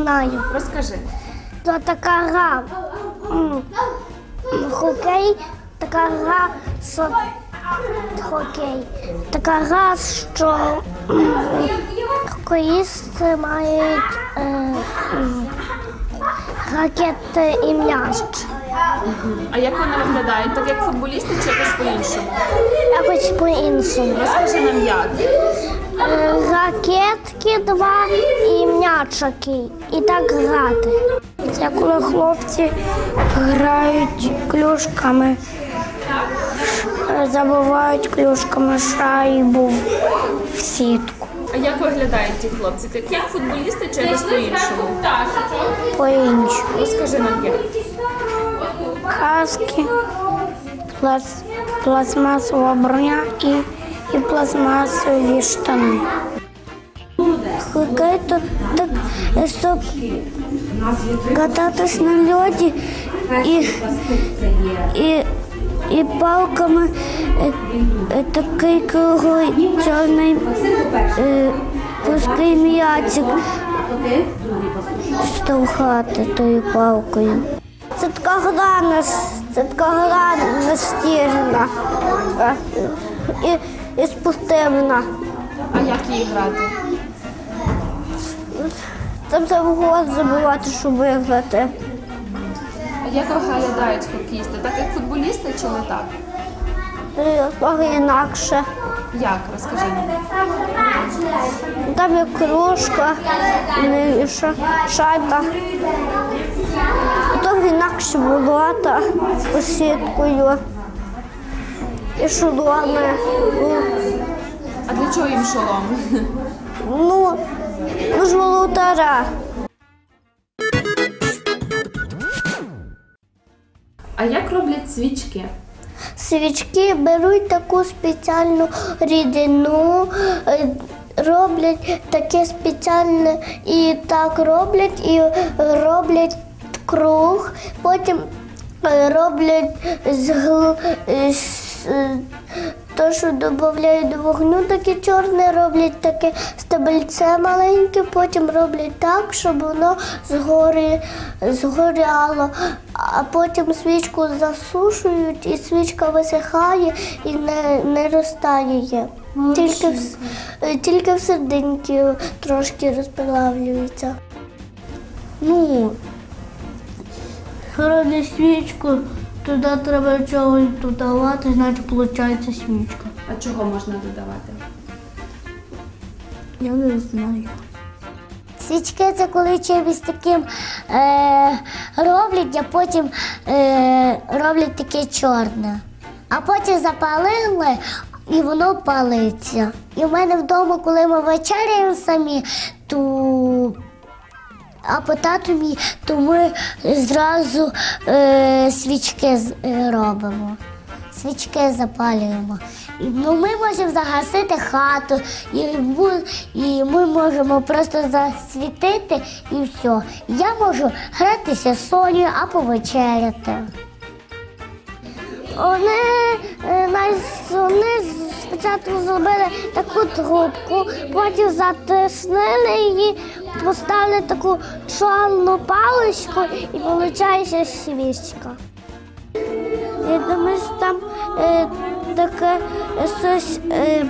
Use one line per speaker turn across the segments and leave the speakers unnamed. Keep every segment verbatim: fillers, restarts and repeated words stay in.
знаю.
Розкажи.
То така гра. м, Хокей, така гра, що хокей. Така гра, що м, хокеїсти мають е, м, ракети і м'яч.
А як вони виглядають? Так як футболісти чи якось по-іншому?
Якось по-іншому.
Розкажи нам як.
Е, Ракетки два і м'ячики. І так грати. Це коли хлопці грають клюшками, забивають клюшками шайбу в сітку.
А як виглядають ті хлопці? Так як футболісти чи якось по-іншому?
По-іншому.
Розкажи нам як.
Каски, пласт, пластмасова броня і, і пластмасові штани. Хокей то так, щоб кататись на льоді і, і, і палками е, е, такий круглий чорний е, плоский м'ячик штовхати тою палкою. Це така гра, нас- це така гра настільна е, і, і спортивна.
А як її грати?
Там треба гол забивати, щоб виграти.
А як виглядають хокеїсти? Так як футболісти чи не так?
Е, Трохи інакше.
Як? Розкажи нам.
Там є кружка, і ша- шайба. Трохи інакше болота з сіткою. І шоломи.
А для чого їм шолом?
Ну, ну ж волотара.
А як роблять свічки?
Свічки беруть таку спеціальну рідину, е, роблять таке спеціальне і так роблять, і роблять круг, потім е, роблять з гл- е, з, е, то, що додають до вогню, таке чорне, роблять таке стебельце маленьке, потім роблять так, щоб воно згорі, згоряло, а потім свічку засушують, і свічка висихає і не, не розтає. Тільки, в- е, тільки в серединці трошки розплавлюється. Ну, роблять свічку, туди треба чогось додавати, значить виходить свічка.
А чого можна додавати?
Я не знаю. Свічки це коли чимось таким е, роблять, а потім е, роблять таке чорне. А потім запалили і воно палиться. І в мене вдома, коли ми вечеряємо самі, то а по тату мій, то ми зразу е, свічки з- е, робимо. Свічки запалюємо. І, ну, ми можемо загасити хату, і, бу- і ми можемо просто засвітити і все. Я можу гратися з Сонею або вечеряти. Вони, е, най- вони спочатку зробили таку трубку, потім затиснили її, поставили таку чорну паличку і виходить свічка. Я думаю, що там е, таке щось е,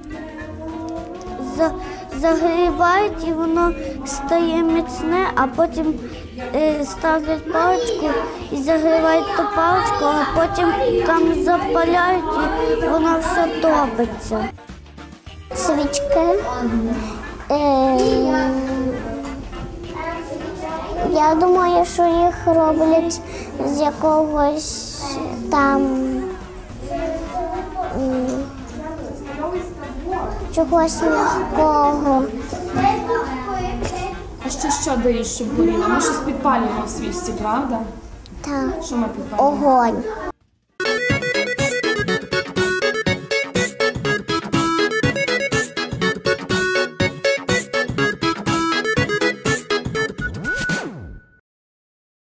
за, загрівають і воно стає міцне, а потім е, ставлять паличку і загрівають ту паличку, а потім там запаляють і воно все топиться. Свічки. Е, я думаю, що їх роблять з якогось там м, чогось м'якого.
А ще що даєш, щоб горіло? Ми щось підпалюємо в свічці, правда?
Так,
Що ми підпалюємо?
огонь.